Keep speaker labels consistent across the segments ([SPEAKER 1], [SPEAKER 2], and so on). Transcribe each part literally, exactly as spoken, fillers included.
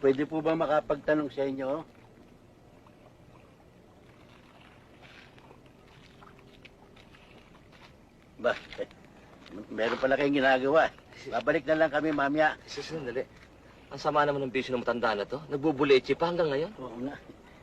[SPEAKER 1] pwede po ba makapagtanong sa inyo? Ba, eh, meron pala kayong ginagawa. Babalik na lang kami mamaya.
[SPEAKER 2] Sandali. Ang sama naman ng bisyo ng matanda na to. Nagbubuleche pa hanggang ngayon.
[SPEAKER 1] Oo nga.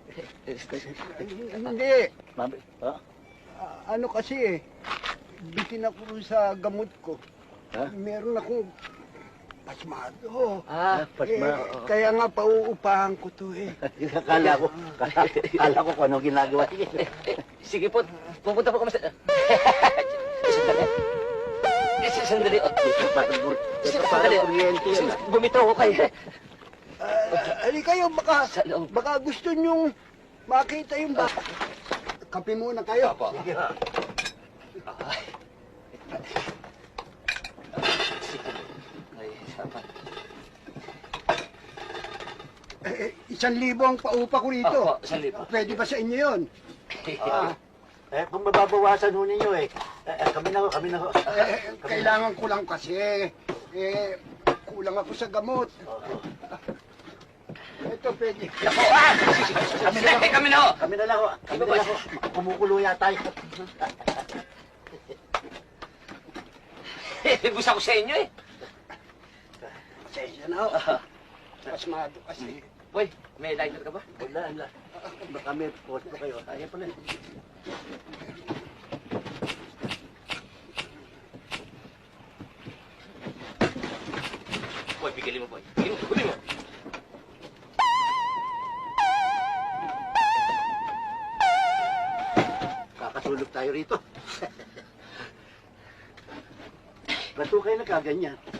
[SPEAKER 3] Hindi.
[SPEAKER 1] Mami, oh?
[SPEAKER 3] Ah, ano kasi eh, bitin ako sa gamot ko.
[SPEAKER 1] Ha?
[SPEAKER 3] Meron akong pasmado.
[SPEAKER 2] Ah,
[SPEAKER 1] pasma.
[SPEAKER 3] Eh, kaya nga pauupahan ko to eh.
[SPEAKER 1] Kala ko, kala ko kung ano ginagawa.
[SPEAKER 2] sige po, pupunta po kami sa... Sandali. Sandali.
[SPEAKER 1] Sandali. Sandali.
[SPEAKER 2] Bumitaw ko kayo.
[SPEAKER 3] Uh, ali kayo, baka, baka gusto nyong makita yung ba... Kape muna kayo.
[SPEAKER 2] Apo.
[SPEAKER 3] Sige.
[SPEAKER 2] Ay. Ay, sapat.
[SPEAKER 3] Eh, isang libo ang paupa ko rito.
[SPEAKER 2] Opo, isang libo.
[SPEAKER 3] Pwede ba sa inyo yun?
[SPEAKER 1] Ah, eh, kung mababawasan ho ninyo eh. Eh, kami na ho, kami na ho.
[SPEAKER 3] Eh, kailangan ko lang kasi. Eh, kulang ako sa gamot. Ito, pwede.
[SPEAKER 2] Ako, ah! Kami na, kami na ho!
[SPEAKER 1] Kami na lang ho. Kami na lang ho. Kumukulo yata yun.
[SPEAKER 2] Gusto ko sa inyo eh.
[SPEAKER 3] Pasensya na ho. Pasmado kasi.
[SPEAKER 2] Boy, may lighter ka ba?
[SPEAKER 1] Wala, wala. Baka may post pa kayo. Ayan pala.
[SPEAKER 2] Boy, bigilin mo, boy. Bigilin mo, bigilin mo.
[SPEAKER 1] Kakasulog tayo rito. Ba't ho kayo nagkaganyan?